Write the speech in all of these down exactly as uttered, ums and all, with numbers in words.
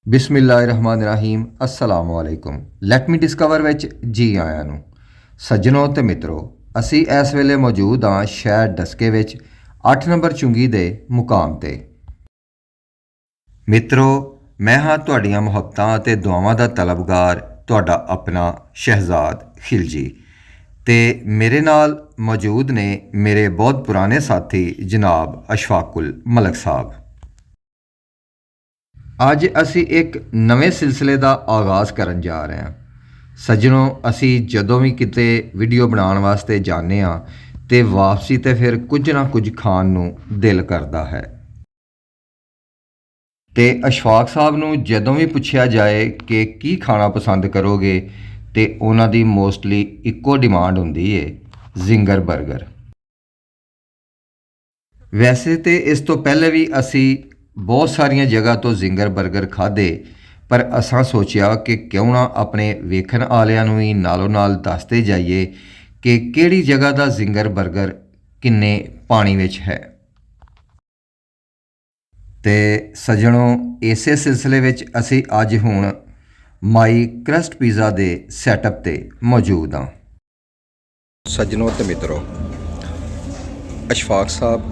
ਬਿਸਮਿਲ੍ਲਾਹਿਰਰਹਿਮਾਨਿਰਰਹੀਮ अस्सलाम वालेकुम। Let me discover ਵਿੱਚ ਜੀ ਆਇਆਂ ਨੂੰ। ਸੱਜਣੋ ਤੇ ਮਿੱਤਰੋ, ਅਸੀਂ ਇਸ ਵੇਲੇ ਮੌਜੂਦ ਹਾਂ ਸ਼ਹਿਰ ਡਸਕੇ ਵਿੱਚ ਅੱਠ ਨੰਬਰ ਚੁੰਗੀ ਦੇ ਮੁਕਾਮ ਤੇ। ਮਿੱਤਰੋ, ਮੈਂ ਹਾਂ ਤੁਹਾਡੀਆਂ ਮੁਹੱਬਤਾਂ ਅਤੇ ਦੁਆਵਾਂ ਦਾ ਤਲਬਗਾਰ, ਤੁਹਾਡਾ ਆਪਣਾ ਸ਼ਹਿਜ਼ਾਦ ਖਿਲਜੀ। ਤੇ ਮੇਰੇ ਨਾਲ ਮੌਜੂਦ ਨੇ ਮੇਰੇ ਬਹੁਤ ਪੁਰਾਣੇ ਸਾਥੀ ਜਨਾਬ ਅਸ਼ਫਾਕੁਲ ਮਲਕ ਸਾਹਿਬ। ਅੱਜ ਅਸੀਂ ਇੱਕ ਨਵੇਂ ਸਿਲਸਿਲੇ ਦਾ ਆਗਾਜ਼ ਕਰਨ ਜਾ ਰਹੇ ਹਾਂ। ਸੱਜਣੋ, ਅਸੀਂ ਜਦੋਂ ਵੀ ਕਿਤੇ ਵੀਡੀਓ ਬਣਾਉਣ ਵਾਸਤੇ ਜਾਂਦੇ ਹਾਂ ਤੇ ਵਾਪਸੀ ਤੇ ਫਿਰ ਕੁਝ ਨਾ ਕੁਝ ਖਾਣ ਨੂੰ ਦਿਲ ਕਰਦਾ ਹੈ। ਤੇ ਅਸ਼ਫਾਕ ਸਾਹਿਬ ਨੂੰ ਜਦੋਂ ਵੀ ਪੁੱਛਿਆ ਜਾਏ ਕਿ ਕੀ ਖਾਣਾ ਪਸੰਦ ਕਰੋਗੇ ਤੇ ਉਹਨਾਂ ਦੀ ਮੋਸਟਲੀ ਇੱਕੋ ਡਿਮਾਂਡ ਹੁੰਦੀ ਹੈ, ਜ਼ਿੰਗਰ 버ਗਰ। ਵੈਸੇ ਤੇ ਇਸ ਤੋਂ ਪਹਿਲੇ ਵੀ ਅਸੀਂ ਬਹੁਤ ਸਾਰੀਆਂ ਜਗ੍ਹਾ ਤੋਂ ਜ਼ਿੰਗਰ 버ਗਰ ਖਾਧੇ, ਪਰ ਅਸਾਂ ਸੋਚਿਆ ਕਿ ਕਿਉਂ ਨਾ ਆਪਣੇ ਵੇਖਣ ਵਾਲਿਆਂ ਨੂੰ ਵੀ ਨਾਲੋਂ ਨਾਲ ਦੱਸਦੇ ਜਾਈਏ ਕਿ ਕਿਹੜੀ ਜਗ੍ਹਾ ਦਾ ਜ਼ਿੰਗਰ 버ਗਰ ਕਿੰਨੇ ਪਾਣੀ ਵਿੱਚ ਹੈ। ਤੇ ਸੱਜਣੋ, ਇਸੇ ਸਿਲਸਿਲੇ ਵਿੱਚ ਅਸੀਂ ਅੱਜ ਹੁਣ ਮਾਈ ਕਰਸਟ ਪੀਜ਼ਾ ਦੇ ਸੈਟਅਪ ਤੇ ਮੌਜੂਦ ਹਾਂ। ਸੱਜਣੋ ਤੇ ਮਿੱਤਰੋ, ਅਸ਼ਫਾਕ ਸਾਹਿਬ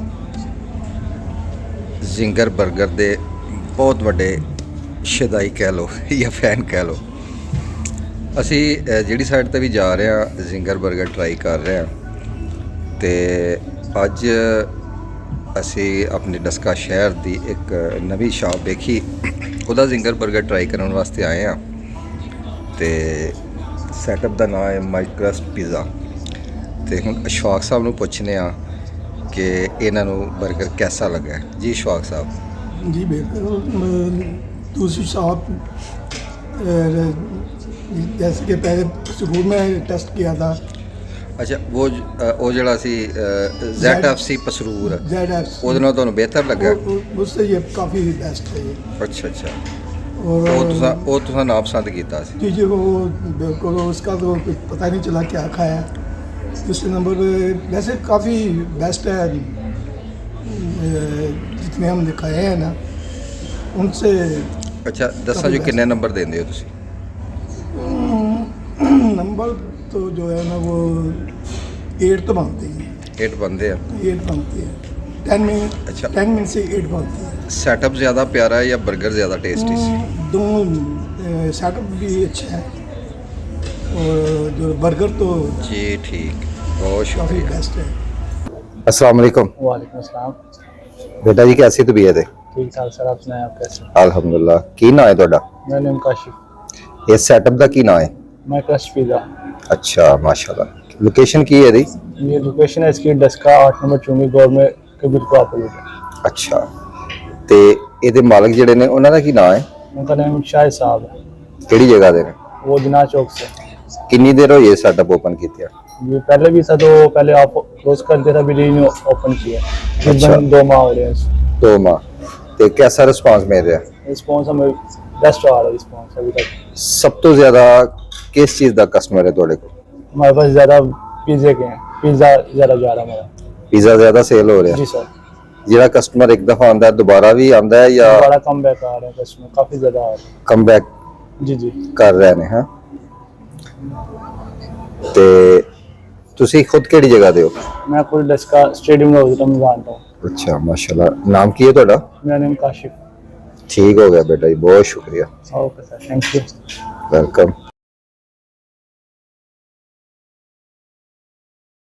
ਜ਼ਿੰਗਰ 버ਗਰ ਦੇ ਬਹੁਤ ਵੱਡੇ ਸ਼ਦਾਈ ਕਹਿ ਲਓ ਜਾਂ ਫੈਨ ਕਹਿ ਲਓ। ਅਸੀਂ ਜਿਹੜੀ ਸਾਈਡ 'ਤੇ ਵੀ ਜਾ ਰਹੇ ਹਾਂ ਜ਼ਿੰਗਰ 버ਗਰ ਟਰਾਈ ਕਰ ਰਹੇ ਹਾਂ। ਤੇ ਅੱਜ ਅਸੀਂ ਆਪਣੇ ਡਸਕਾ ਸ਼ਹਿਰ ਦੀ ਇੱਕ ਨਵੀਂ ਸ਼ਾਪ ਵੇਖੀ, ਉਹਦਾ ਜ਼ਿੰਗਰ 버ਗਰ ਟਰਾਈ ਕਰਨ ਵਾਸਤੇ ਆਏ ਹਾਂ। ਤੇ ਸੈਟਅਪ ਦਾ ਨਾਮ ਹੈ ਮਾਈ ਕਰਸਟ ਪੀਜ਼ਾ। ਤੇ ਹੁਣ ਅਸ਼ਫਾਕ ਸਾਹਿਬ ਨੂੰ ਪੁੱਛਦੇ ਹਾਂ कि इन्हों बर्गर कैसा लगा। जी शौक साहब। जी बिल्कुल, दूसरी शॉप जैसे कि पहले स्कूल में टेस्ट किया था। अच्छा, वो वो जड़ा सी Z F C Pasrur Z F C ਉਹਦੇ ਨਾਲ ਤੁਹਾਨੂੰ ਬਿਹਤਰ ਲੱਗਾ? उससे ये काफ़ी बेस्ट है ये। अच्छा अच्छा। और वो तुसा वो तुसा ना पसंद किया सी? जी जी, वो बिल्कुल उसका तो कुछ पता नहीं चला क्या खाया। दूसरे नंबर पे वैसे काफ़ी बेस्ट है, जितने हमने खाए हैं ना उनसे। अच्छा, दसा जो कितने नंबर देंगे हो तुसी? नंबर तो जो है ना वो एट तो बनते हैं। एट बनते हैं? एट बनती है, टेन में। अच्छा, टेन में से एट बनती है। सेटअप ज़्यादा प्यारा है या बर्गर ज़्यादा टेस्टी? दोनों सेटअप भी अच्छा है और जो बर्गर तो जी ठीक, बहुत काफ़ी शुक्रिया। बेस्ट है। अस्सलाम वालेकुम। वालेकुम अस्सलाम। बेटा जी, कैसी तबीयत है? ठीक ठाक सर, आप सुनाएं, आप कैसे? अल्हम्दुलिल्लाह। की ना है ਤੁਹਾਡਾ? मेरा नाम काशिफ। ये सेटअप ਦਾ ਕੀ ਨਾਂ ਹੈ? मैं क्रस्ट पिज़्ज़ा। अच्छा माशाल्लाह। लोकेशन की है ਇਹਦੀ? ये लोकेशन है इसकी डस्का आठ नंबर चुंगी गवर्नमेंट के बिल्कुल अपोजिट है। अच्छा, ਤੇ ਇਹਦੇ ਮਾਲਕ ਜਿਹੜੇ ਨੇ ਉਹਨਾਂ ਦਾ ਕੀ ਨਾਂ ਹੈ? उनका नाम शाहिद साहब है। ਕਿਹੜੀ ਜਗ੍ਹਾ ਦੇ ਨੇ? वो दिना चौक से। ਕਿੰਨੀ ਦੇਰ ਹੋਈ ਇਹ ਸੈਟਅਪ ਓਪਨ ਕੀਤੇ? ये पहले भी था तो पहले आप क्लोज कर दिया था, अभी रीन्यू ओपन किया। अच्छा। तकरीबन दो माह हो रहे हैं। ਦੋ ਮਾਹ। ਤੇ कैसा ਰਿਸਪਾਂਸ ਮਿਲ ਰਿਹਾ? रिस्पॉन्स हमें बेस्ट आ रहा है रिस्पॉन्स अभी तक। ਸਭ ਤੋਂ ਜ਼ਿਆਦਾ ਕਿਸ ਚੀਜ਼ ਦਾ ਕਸਟਮਰ ਹੈ ਤੁਹਾਡੇ ਕੋਲ? हमारे पास ज़्यादा पिज़्ज़े के हैं, पिज़्ज़ा ज़्यादा जा रहा है हमारा। ਪੀਜ਼ਾ ਜ਼ਿਆਦਾ ਸੇਲ ਹੋ ਰਿਹਾ? जी सर। ਜਿਹੜਾ ਕਸਟਮਰ ਇੱਕ ਦਫਾ ਆਉਂਦਾ ਹੈ ਦੁਬਾਰਾ ਵੀ ਆਉਂਦਾ ਹੈ ਜਾਂ बड़ा कम बैक आ रहा है कस्टमर, काफ़ी ज़्यादा आ रहा ਕਮ ਬੈਕ है। जी जी। ਕਰ ਰਹੇ ਨੇ? ਹਾਂ। ਤੇ ਤੁਸੀਂ ਖੁਦ ਕਿਹੜੀ ਜਗ੍ਹਾ ਦੇ ਹੋ? मैं खुद डस्का स्टेडियम में होता हूँ, जानता हूँ। अच्छा माशाल्लाह। नाम की है ਤੁਹਾਡਾ? मेरा नाम काशिफ। ठीक हो गया बेटा जी, बहुत शुक्रिया, okay sir, thank you. Welcome.